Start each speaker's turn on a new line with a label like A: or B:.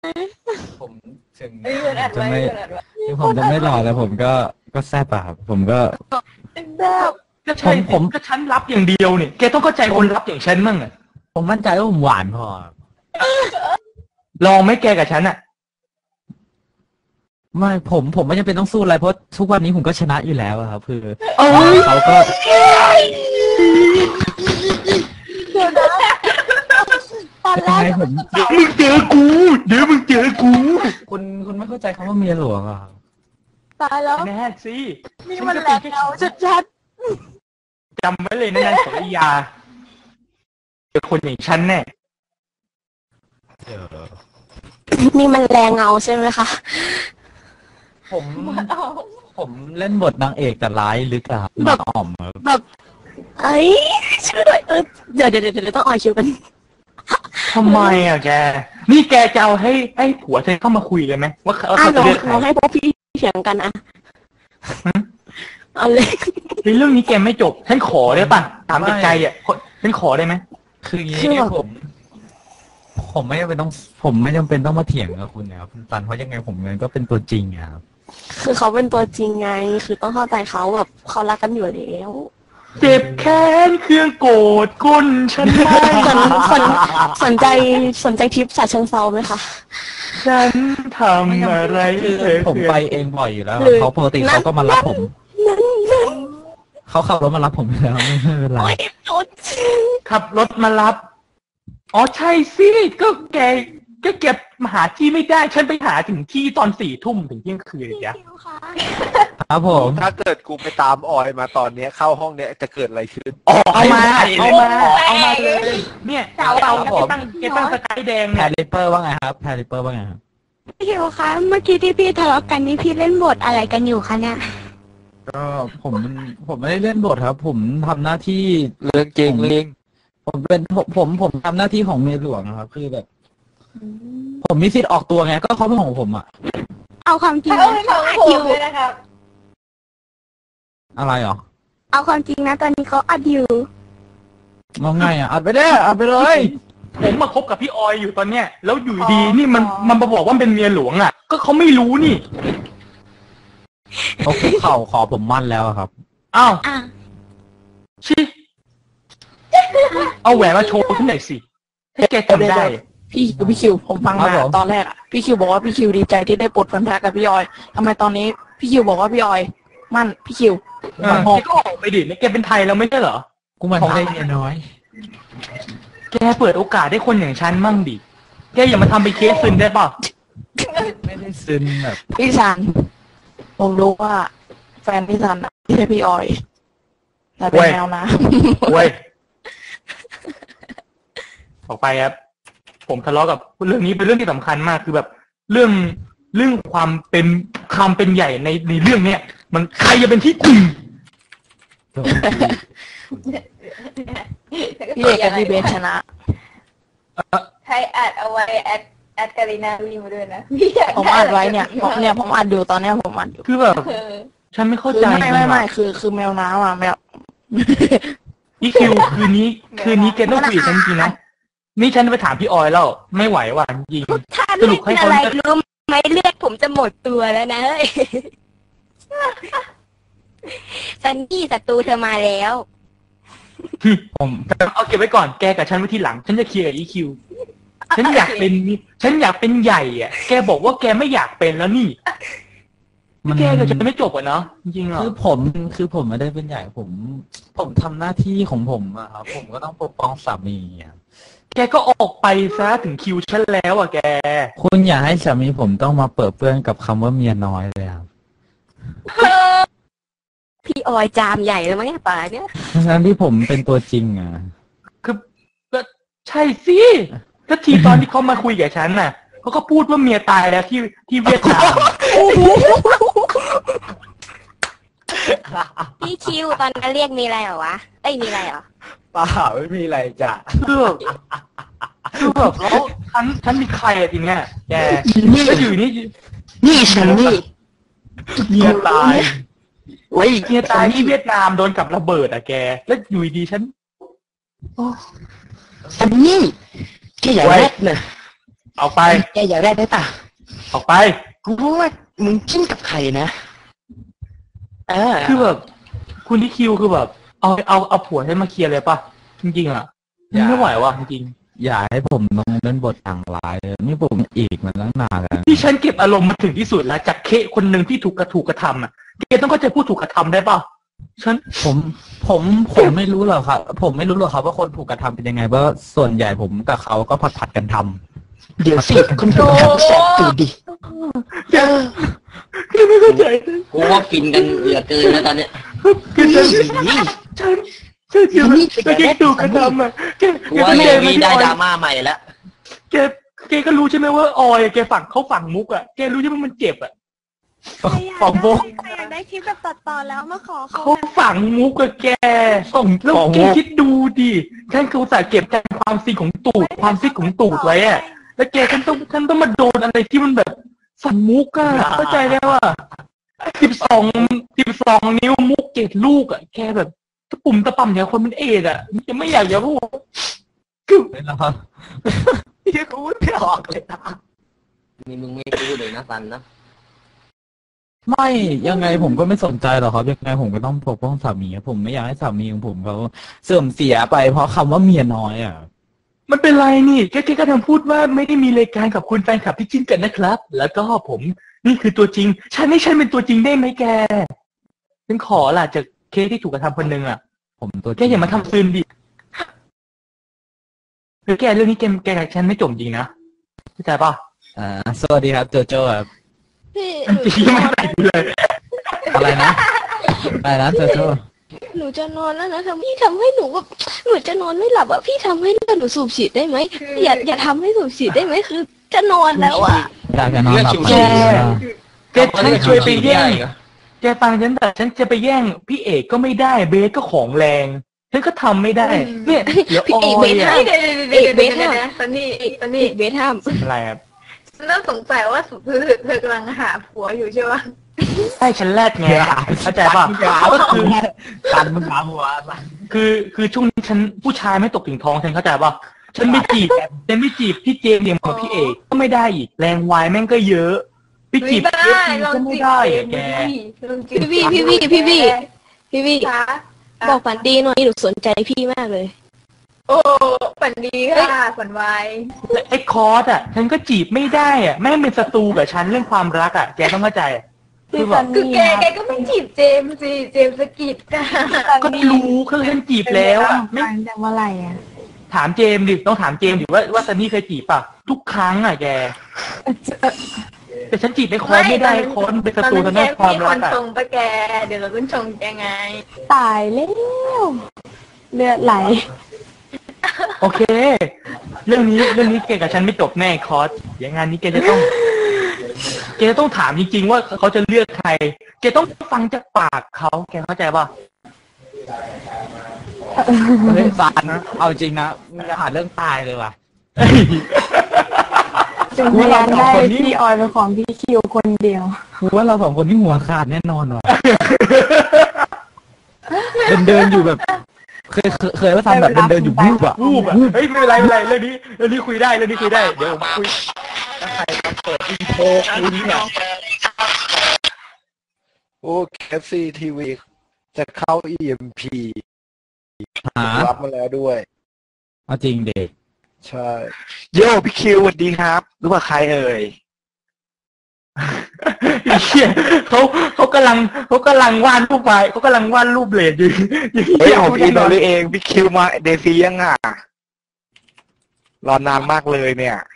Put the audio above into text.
A: ผมถึง
B: เอ้ยมันอัด
A: จะ
B: ไว้
A: ไม่
B: มันอัดไว้
A: ถึงผมจะไม่หล่อแต่ผมก็แซ่บอะครับผมก็
B: แบบ
C: ก็ใช่ก็ฉันรับอย่างเดียวเนี่ยแกต้องเข้าใจคนรับอย่างฉันมั่งอ่ะ
A: ผมมั่นใจว่าผมหวานพอครับ
C: ลองไหม่แกกับฉันอ่ะ
A: ไม่ผมไม่จำเป็นต้องสู้อะไรเพราะทุกวันนี้ผมก็ชนะอยู่แล้วอะครับคือ
C: เอ้ย
A: เขาก็
B: เดี๋ยวนะตอนแร
A: ยัง
B: ก
A: ไงผม
C: เดี๋ยวมึงเจอกูเดี๋ยวมึงเจอกู
A: คุณไม่เข้าใจคำว่าเมียหลวงอะครับ
B: ตายแล้ว
C: แน่สิ
B: นี่มันแหลกเราชัด
C: จำไว้เลยนะนางสรยาเจอคนอย่างฉันแน่
D: ๆนี่มันแรงเงาใช่ไหมคะ
A: ผม
B: ๆเอา
A: ผมเล่นบทนางเอกแต่ร้ายลึกอะครับนางอ่อมครับ
D: แบบเอ้ยช่วยด้วยเดี๋ยวต้องออยคิวกัน
C: ทำไมอ่ะแกนี่แกจะเอาให้ผัวเธอเข้ามาคุยเลยไหมว่าเขา
D: อ่ะ
C: จะเลือกใคร
D: ลองให้พวกพี่เถียงกันอ่ะเอาเลย
C: ในเรื่องนี้แกไม่จบฉันขอได้ป่ะถามจากใจอ่ะฉันขอได้ไหม
A: คืออย่างนี้ผมไม่จำเป็นต้องมาเถียงกับคุณนะครับคุณตันเพราะยังไงผมเงินก็เป็นตัวจริงอะครับ
D: คือเขาเป็นตัวจริงไง คือต้องเข้าใจเขาแบบเขารักกันอยู่แล้ว
C: เจ็บแค้นเครื่องโกรธก้นฉันไม่
D: สนใจทริปฉะเชิงเซาไหมคะ
C: ฉันทำอะไร
A: คือ
C: เธอ
A: ผมไปเองบ่อยอยู่แล้ว
D: หรือ
A: เขาปกติเขาก็มารับผมเขาขับรถมารับผมอยู่แล้วไม่เป็นไร
D: โอ๊ยโอ๊ย
C: ขับรถมารับอ๋อใช่สิก็แกมาหาที่ไม่ได้ฉันไปหาถึงที่ตอน4 ทุ่มถึงเที่ยงคืนเลยจ้ะ
D: คิวคะ
A: ครับผม
E: ถ้าเกิดกูไปตามออยมาตอนเนี้ยเข้าห้องเนี้ยจะเกิดอะไรขึ้น
C: เอามาเลยเนี่ยแกตั้งสกายแดง
A: แพ
C: เนี่ย
A: รริปเปอร์ว่าไงครับแพรริปเปอร์ว่าไงครับ
D: พี่คิวคะเมื่อกี้ที่พี่ทะเลาะกันนี่พี่เล่นบทอะไรกันอยู่คะเนี่ย
A: ก็ผมไม่ได้เล่นบทครับ ผมทำหน้าที่
E: เรื่องจริงเรื่อง
A: ผมทำหน้าที่ของเมียหลวงนะครับ คือแบบ ผมมีสิทธิ์ออกตัวไงก็เขาเป็นของผมอะ
D: เอาความจริง
B: เขา
D: นะ
B: เป็นของผมเลยนะครับ
A: อะไรหรอ
D: เอาความจริงนะตอนนี้เขาอัดอยู่
A: มองไงอะอัดไปได้อัดไปเลย
C: ผมมาคบกับพี่ออยอยู่ตอนเนี้ยแล้วอยู่ดีนี่มันมาบอกว่าเป็นเมียหลวงอ่ะก็เขาไม่รู้นี่
A: เขาคุกเข่าขอผมมั่นแล้วอะครับ
C: อ้าว
D: อ่ะ
C: ชิเอาแหวนมาโชว์ฉันหน่อยสิให้แกจำได้
F: พี่คิวผมฟัง
A: ครั
F: มา
A: บผม
F: ตอนแรกอ่ะพี่คิวบอกว่าพี่คิวดีใจที่ได้ปลดพันธะกับพี่ออยทำไมตอนนี้พี่คิวบอกว่าพี่ออยมั่นพี่คิว
C: แกก็ออกไปดินี่แกเป็นไทยแล้วไม่ใช่เหรอ
A: กูมันได้เมียน้อย
C: แกเปิดโอกาสให้คนอย่างฉันมั่งดิแกอย่ามาทำเป็นเคสซึนได้ป่ะ
A: ไม่ได้ซึนแบบ
F: พี่ซันผมรู้ว่าแฟนพี่ซันอะไม่ใช่พี่ออยแต่เป็นแมวนะ
C: เว้ยออกไปครับผมทะเลาะกับเรื่องนี้เป็นเรื่องที่สำคัญมากคือแบบเรื่องความเป็นใหญ่ในเรื่องเนี้ยมันใครจะเป็นที่ตึง
F: พี่เอกกับพี่เบนชนะ
B: ใครอัดเอาไว้แอดการินาวีมาด้วยนะพี่อยาก
F: ผมอัดไว้เนี่ยผมอัดอยู่ตอนเนี้ยผมอัดอยู่
C: คือแบบ
B: เออ
C: ฉันไม่เข้า
F: คือ
C: ใจ
F: ไม่คือแมวน้ำอ่ะแมว
C: อีคิวคืนนี้แกต้องคุยกับฉันจริงๆนะนี่ฉันไปถามพี่ออยแล้วไม่ไหวว่ะจริง
D: ถ้า
C: ส
D: เล่
C: รุปให้
D: น
C: เขา
D: อะไรรู้ไหมเลือดผมจะหมดตัวแล้วนะเฮ้ยซันนี่ศัตรูเธอมาแล้ว
A: ผม
C: เอาเก็บไว้ก่อนแกกับฉันไว้ทีหลังฉันจะเคลียร์กับอีคิวฉันอยากเป็นใหญ่อ่ะแกบอกว่าแกไม่อยากเป็นแล้วนี่แกกับฉันไม่จบอ่ะเนาะจริงๆเหรอ
A: คือผมไม่ได้เป็นใหญ่ผมทำหน้าที่ของผมอะครับผมก็ต้องปกป้องสามีอะ
C: แกก็ออกไปซะถึงคิวฉันแล้วอ่ะแก
A: คุณอย่าให้สามีผมต้องมาเปิดเปื้อนกับคำว่าเมียน้อยเลยครับ
D: พี่ออยจามใหญ่แล้วมั้งเนี่ยป่าเนี่ย
A: ทั้งที่ผมเป็นตัวจริงอะ
C: คือก็ใช่สิก็ทีตอนที่เขามาคุยกับฉันน่ะเขาก็พูดว่าเมียตายแล้วที่เวียดนาม
D: พี่คิวตอนนั้นเรียกมีอะไรเหรอวะเอ้ยมีอะไรเหรอ
A: เปล่าไม่มีอะไรจ้ะ
C: คือแบบแล้วฉันมีใครอะทีเนี้ยแกก็อยู่นี่
F: นี่ฉันนี่
A: เมียตาย
F: โอ้ย
C: เมียตายที่เวียดนามโดนกับระเบิดอะแกแล้วอยู่ดีฉัน
F: ฉันนี่แค่อย่างแรกเลย
C: ออกไป
F: แกอยากได้ป่ะ
C: ออกไป
F: กูรู้ว่ามึงจิ้นกับใครนะ
C: คือแบบคุณที่คิวคือแบบเอาผัวให้มาเคลียร์เลยป่ะจริงๆอ่ะไม่ไหวว่ะจริง
A: อย่าให้ผมต้องเล่นบทต่างร้ายเลยนี่ผมอีกมาตั้งนานแล้ว
C: ที่ฉันเก็บอารมณ์มาถึงที่สุดแล้วจากเคคนหนึ่งที่ถูกกระทำอ่ะเคต้องเข้าใจผู้ถูกกระทำได้ป่ะ
A: ผมไม่รู้หรอกครับผมไม่รู้หรอกครับว่าคนถูกกระทำเป็นยังไงเพราะส่วนใหญ่ผมกับเขาก็ผัดกันทำ
F: เดี๋ยวสิคนถูกกระทำแสบตูดดิ
C: คือไม่เข้าใจ
G: กูว่าฟินกันเหลือเกินแล้วตอนเนี้ย
C: คือฉันแกถูกกระทำอ่ะแก
G: กูว่าเรื่องนี้ได้ดราม่าใหม่แล้ว
C: แกก็รู้ใช่ไหมว่าออยแกฝังมุกอ่ะแกรู้ใช่ไหมมันเจ็บอ่ะ
A: ฝังมุก
D: ใครอยากได้คลิปแบบตัดต่อแล้วมาขอเขา
C: เขาฝังมุกกับแกแล้วแกคิดดูดิฉันคืออุตส่าห์เก็บความซิกของตูดไว้อ่ะแล้วแกฉันต้องมาโดนอะไรที่มันแบบฝังมุกอ่ะเข้าใจได้ว่า12 นิ้วมุก7 ลูกอ่ะแกแบบตะปุ่มตะป่ำอย่างคนมันเอดอ่ะจะไม่อยากจะพูดคือ
A: นะครับ
E: พี่กูไม่ออกเลยนะ
G: นี่มึงไม่รู้เลยนะซันนะ
A: ไม่ยังไงผมก็ไม่สนใจหรอกครับยังไงผมก็ต้องปกป้องสามีผมไม่อยากให้สามีของผมเขาเสื่อมเสียไปเพราะคำว่าเมียน้อยอ่ะ
C: มันเป็นไรนี่แกก็ทำพูดว่าไม่ได้มีรายการกับคุณแฟนคลับที่จิ้นกันนะครับแล้วก็ผมนี่คือตัวจริงฉันเป็นตัวจริงได้ไหมแกฉันขอล่ะจากเคสที่ถูกกระทำคนหนึ่งอ่ะ
A: ผมตัว
C: แกอย่ามาทำซึมดิคือแกเรื่องนี้แกกับฉันไม่จบจริงนะเข้าใจป่ะ
A: สวัสดีครับโจโจ้ครับ
C: พี่ไม่ใส่เลย
A: อะไรนะโจโจ้
D: หนูจะนอนแล้วนะพี่ทำให้หนูแบบหนูจะนอนไม่หลับอ่ะพี่ทำให้หนูสูบฉีดได้ไหมอย่าทำให้สูบฉีดได้ไหมคือจะนอนแล้วอ่ะ
A: อยากจะนอนหลับ
C: แกฉันช่วยไปแย่งแกฟังฉันแต่ฉันจะไปแย่งพี่เอกก็ไม่ได้เบสก็ของแรงฉันก็ทำไม่ได้เนี่ยเดี๋ยว
D: พี่เอกเบสห้ามเบสห้าม
B: ตอนนี้
D: เบสห้าม
C: อะไรครับ
B: เริ่มสงสัยว่าเธอกำลังหาผัวอยู่ใช่ไหม
C: ใช่ฉันแรดไงเข้าใจป่ะก็คือ
A: การมึงหาผัว
C: คือช่วงนี้ฉันผู้ชายไม่ตกถึงท้องฉันเข้าใจป่ะฉันไม่จีบพี่เจมส์อย่างกับพี่เอกก็ไม่ได้อีกแรงวายแม่งก็เยอะพี่จีบเจมส์ก็ไม่ได้แก
D: พี่บอกฝันดีหน่อยหนูสนใจพี่มากเลย
B: โอ้ฝันดีค่ะฝันไว
C: ไอ้คอร์สอ่ะฉันก็จีบไม่ได้อ่ะแม่งเป็นศัตรูกับฉันเรื่องความรักอ่ะแกต้องเข้าใจ
B: คือแกก็ไม่จีบเจมสิเจมสกิดกัน
C: ก็รู้คือฉันจีบแล้ว
D: ไม่แต่เมื่อไหร่อ่ะ
C: ถามเจมดิต้องถามเจมดิว่าซันนี่เคยจีบป่ะทุกครั้งอ่ะแกแต่ฉันจีบไอ้คอนไม่ได้คอนเป็นศัตรูทางด้านความรักอ่ะ
B: ชงปะแกเดี๋ยวเราต้องชงแกไง
D: ตายแล้วเลือดไหล
C: โอเคเรื่องนี้แกกับฉันไม่จบแน่คอร์สอย่างงานนี้แกจะต้องถามจริงๆว่าเขาจะเลือกใครแกต้องฟังจากปากเขาแกเข้าใจป่ะ
A: เฮ้ยฟานเอาจริงนะมึงจะหาเรื่องตายเลยว่ะ
D: จึงพยานได้พี่ออยเป็นของพี่คิวคนเดียว
A: ว่าเรา2 คนที่หัวขาดแน่นอนว่ะเดินอยู่แบบเคยว่าทำแบบเดินอยู่วูบอ่ะ
C: เฮ้ยไม่เป็นไรเรื่องนี้คุยได้เดี๋ยวผมคุยถ้าใครมาเปิดอินโทรคุยเนี่ย
E: โอ้KFC TV จะเข้า EMP รับมาแล้วด้วย
A: เอาจริงเด็ก
E: ใช่โย่พี่คิวสวัสดีครับรู้ว่าใครเอ่ย
C: เขากำลังวาดรูปไว้เขากำลังวาดรูปเลดอยู่
E: เฮ้ยของพี่นอนเองพี่คิวมาเดซี่ยังอ่ะรอนานมากเลยเนี่ย